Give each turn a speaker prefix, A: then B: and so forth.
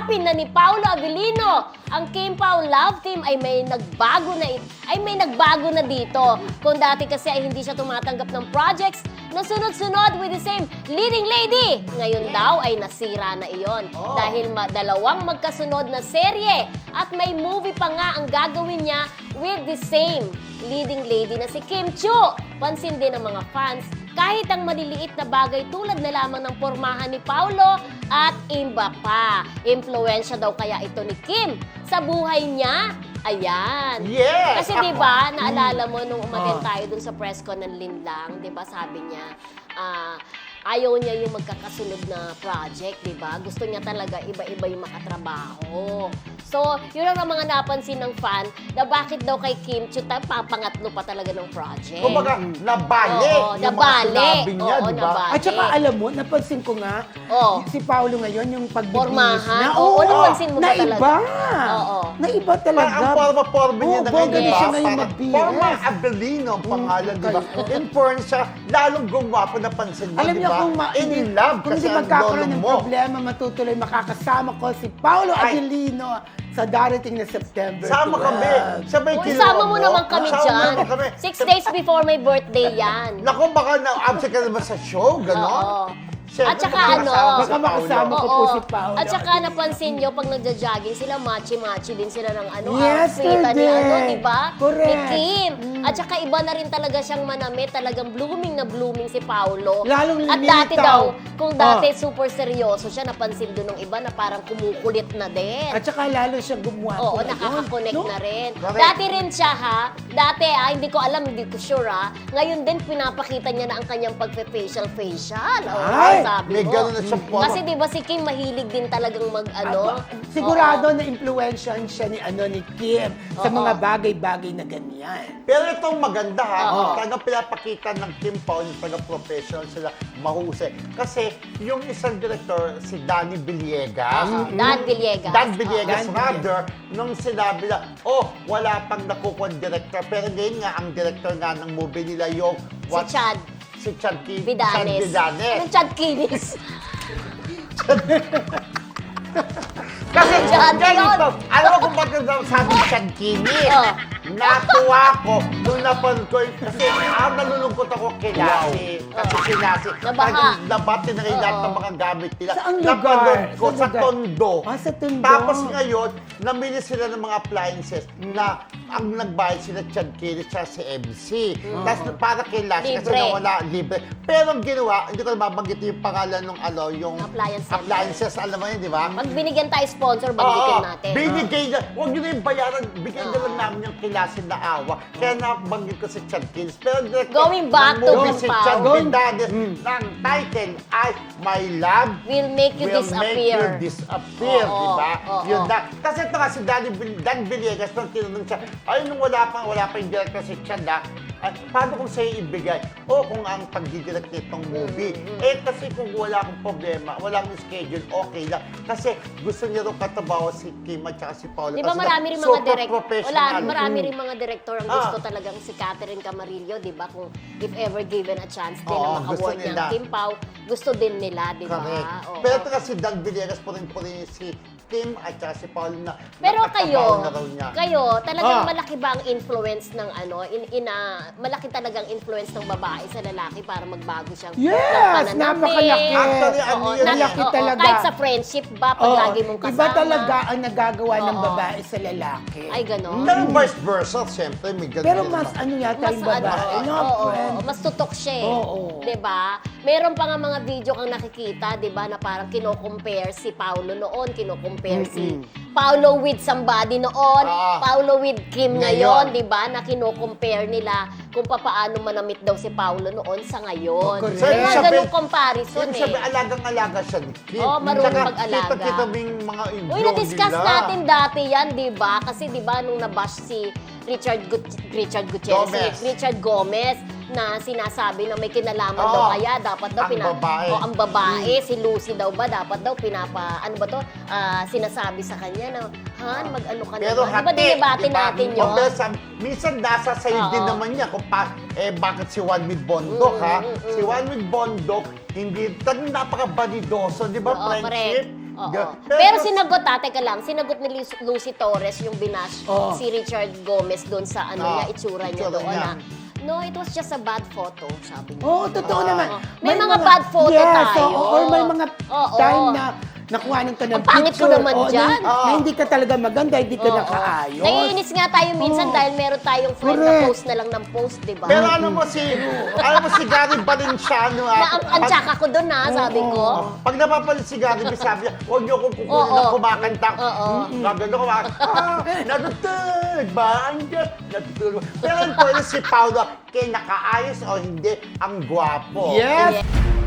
A: tanggapin na ni Paolo Avellino ang Kim Pao Love Team ay may nagbago na dito. Kung dati kasi ay hindi siya tumatanggap ng projects na sunod-sunod with the same leading lady. Ngayon daw ay nasira na iyon dahil dalawang magkasunod na serye at may movie pa nga ang gagawin niya with the same leading lady na si Kim Chiu. Pansin din ng mga fans kahit ang maliliit na bagay tulad na lamang ng pormahan ni Paolo at iba pa. Impluwensya daw kaya ito ni Kim sa buhay niya. Ayan.
B: Yes!
A: Kasi di ba naalala mo nung umaten tayo dun sa press con ng Linlang, di ba sabi niya, ayaw niya yung magkakasunod na project, di ba? Gusto niya talaga iba-iba yung makatrabaho. So, yun ang mga napansin ng fan na bakit daw kay Kim Chiu papangatlo pa talaga ng project.
B: Kumbaga, nabali.
A: Oo,
B: yung
A: nabali.
B: mga sinabi niya,
A: Oo,
B: di ba?
A: nabali.
C: At saka alam mo, napansin ko nga, si Paolo ngayon, yung pagbibihis
A: Pormahan.
C: na.
A: Oo, napansin mo ba talaga?
C: Naiba.
A: Oo.
C: Naiba talaga.
B: Ang forma-forma niya na
C: bongga
B: ngayon,
C: na siya
B: di ba?
C: ngayon
B: Parang
C: magbihis.
B: Forma Abelino ang pangalan, di ba? In porn siya, lalong gumwapo na pansin mo,
C: Alam
B: di
C: niyo
B: ba?
C: kung
B: In love
C: kung
B: kasi
C: hindi
B: ang
C: magkakaroon
B: lolo
C: ng
B: mo.
C: problema, matutuloy makakasama ko si Paolo
B: Ay.
C: Avellino sa darating na September
B: Sama
C: 12.
B: kami. Sabay
A: Uy,
B: kinuha
A: sama mo naman kami
B: Sama
A: dyan.
B: naman kami.
A: 6 days before my birthday yan.
B: Naku, baka na-absent ka naman sa show, gano'n?
A: Oo.
B: Siyempre,
A: At saka
B: baka
A: ano,
B: kasama
C: Baka makasama ko po si Paolo.
A: At saka napansin nyo, pag nagja-jogging sila, machi-machi din sila ng ano,
C: Yesterday.
A: outfit ni ano, di ba?
C: Correct.
A: Ni Kim. At saka iba na rin talaga siyang manamit, talagang blooming na blooming si Paolo.
C: Lalong
A: At dati
C: lumilitaw.
A: daw, kung dati super seryoso siya, napansin doon ng iba na parang kumukulit na din.
C: At saka lalo siya gumawa.
A: Oo, nakaka-connect na rin.
B: Correct.
A: Dati rin siya ha, dati hindi ko alam, hindi ko sure ha. Ngayon din pinapakita niya na ang kanyang pagpe-facial.
C: Ay,
A: Sabi
B: may
A: mo.
B: gano'n na siyang forma.
A: Kasi di ba si Kim mahilig din talagang mag-ano?
C: Sigurado na influensyan siya ni Kim sa
A: Oo.
C: mga bagay-bagay na ganyan.
B: Pero itong maganda ha,
A: Oo.
B: talagang pinapakita ng Kim Pao, yung taga-professional sila, mahusay. Kasi yung isang director, si Danny Villegas,
A: Dan Villegas.
B: Dan Villegas,
C: Dan
B: rather, nung sinabi na, wala pang nakukuha director. Pero ngayon nga, ang director nga ng movie nila, yung
A: Si Chad
B: Si Chad
A: Vidanes.
B: Vidanes.
A: Anong Chad Kinis?
B: Kasi
A: Chad
B: ganito,
A: yun.
B: alam mo kung bakit daw sabi Chad Kinis?
A: Oh.
B: Natuwa ko nung napanood ko kasi nalulungkot ako kay Lassie. Kasi si Lassie,
A: Nabaha.
B: nabati na rin lahat
A: Oo.
B: ng mga gamit nila.
C: Saan lugar?
B: Napanood ko
C: Saan
B: sa
C: lugar?
B: Tondo.
C: Sa Tondo.
B: Tapos ngayon, namili sila ng mga appliances na ang nagbayad sila Chad Kinis at si MC. Tapos para kay Lassie kasi
A: Libre.
B: nawala libre. Pero ang ginawa, hindi ko na mabanggit yung pangalan ng yung
A: Appliance center.
B: appliances, alam mo yun, di ba?
A: Pag binigyan tayo sponsor, banggitin natin.
B: Binigay na. Huwag nyo na yung bayaran. Bigay na lang namin yung kilasin na awa. Kaya nabanggit ko si Chad Kinis. Pero director
A: Going back
B: ng
A: to
B: movie
A: Kim
B: si
A: Pao.
B: Chad Vidanes, ng title ay My Love
A: Will make you
B: Will
A: disappear.
B: Make You Disappear,
A: Oo,
B: di ba?
A: oo.
B: Yun na. Kasi ito nga si Dan Villegas, nung tinanong siya, ay nung wala pa yung director si Chad, paano kung sa'yo ibigay? Kung ang pagdidirect nitong movie. Kasi kung wala akong problema, wala akong schedule, okay lang. Kasi gusto niya rin katabaho si Kim at saka si Paolo.
A: Di ba
B: Kasi
A: marami rin mga
B: super
A: director,
B: professional.
A: marami rin mga director ang gusto talagang si Catherine Camarillo, di ba? Kung if ever given a chance din
B: Oo,
A: na
B: gusto
A: makawork niya
B: nila.
A: ang Kim Pao, gusto din nila, di ba?
B: Correct.
A: Oo.
B: Pero ito kasi Dan Villegas po rin si Kim at saka si Paolo na
A: Pero
B: nakatabaho na raw niya.
A: kayo, talagang malaki ba ang influence ng malaki talagang influence ng babae sa lalaki para magbago siyang
C: Yes,
A: ng pananamit?
C: napakalaki.
B: Actually, ano
A: Oo,
B: yun,
C: malaki
A: oo,
C: talaga.
A: Kahit sa friendship ba, pag
C: Oo,
A: lagi mong kasama?
C: Iba talaga ang nagagawa ng
A: Oo.
C: babae sa lalaki.
A: Ay, ganon.
B: Pero vice versa, siyempre, may ganun
C: Pero
B: din
C: mas
B: naman.
C: ano yata
A: Mas
C: yung babae, no, friend?
A: mas tutok siya eh.
C: Oo.
A: 'Di ba? Meron pa nga mga video kang nakikita, 'di ba, na parang kino-compare si Paolo noon, kino-compare si Paolo with somebody noon,
B: Ah.
A: Paolo with Kim
B: Ngayon.
A: ngayon, 'di ba? Na kino-compare nila kung paano manamit daw si Paolo noon sa ngayon.
C: Oh, correct.
A: So, mga
B: Sabi-
A: ganung comparison
B: Ibig
A: eh.
B: sabihin, alagang-alaga siya ni Kim.
A: Oo, marunong
B: Tsaka,
A: mag-alaga.
B: Kita-kita mo yung mga
A: Uy,
B: video
A: na-discuss
B: nila.
A: natin dati yan, di ba? Kasi di ba nung nabash si Richard Gutierrez,
B: Gomez.
A: si Richard Gomez, na sinasabi na may kinalaman
B: Oo.
A: daw kaya dapat daw
B: Ang babae.
A: ang babae si Lucy daw ba dapat daw sinasabi sa kanya na Han mag-ano ka
B: Pero
A: naman. Di ba dinibati natin yun?
B: Pero minsan nasa sa'yo
A: Oo.
B: din naman niya kung bakit si Juan with Bondok, ha? Si Juan with Bondok, hindi, talagang napaka-banidoso, di ba?
A: Oo,
B: Friendship.
A: Oo.
B: Ga-
A: Pero sinagot, teka lang, sinagot ni Lucy Torres yung binash
C: Oo.
A: si Richard Gomez doon sa niya, itsura niya
B: itsura
A: doon
B: niya.
A: no, it was just a bad photo, sabi niya.
C: Oo, totoo naman.
A: May mga bad photo tayo.
C: Or may mga
A: Oo.
C: time na nakuha ka ng
A: Ang pangit ko
C: picture.
A: naman
C: o,
A: dyan.
C: Na hindi ka talaga maganda, hindi ka
A: Oo.
C: nakaayos.
A: Naiinis nga tayo minsan
C: Oo.
A: dahil meron tayong friend na
C: Correct.
A: post na lang ng post, di ba?
B: Pero ano mo si Gary Valenciano.
A: Na ang tsaka ko doon sabi ko.
B: Pag napapalit si Gary, sabi niya, huwag niyo akong kukunin
A: Oo.
B: na kumakanta.
A: Oo.
B: Gagano kumakanta. Natutulog ba? Andiyan. Natutulog. Pero ang si Paolo, kaya nakaayos o hindi, ang gwapo.
C: Yes!
A: Yeah.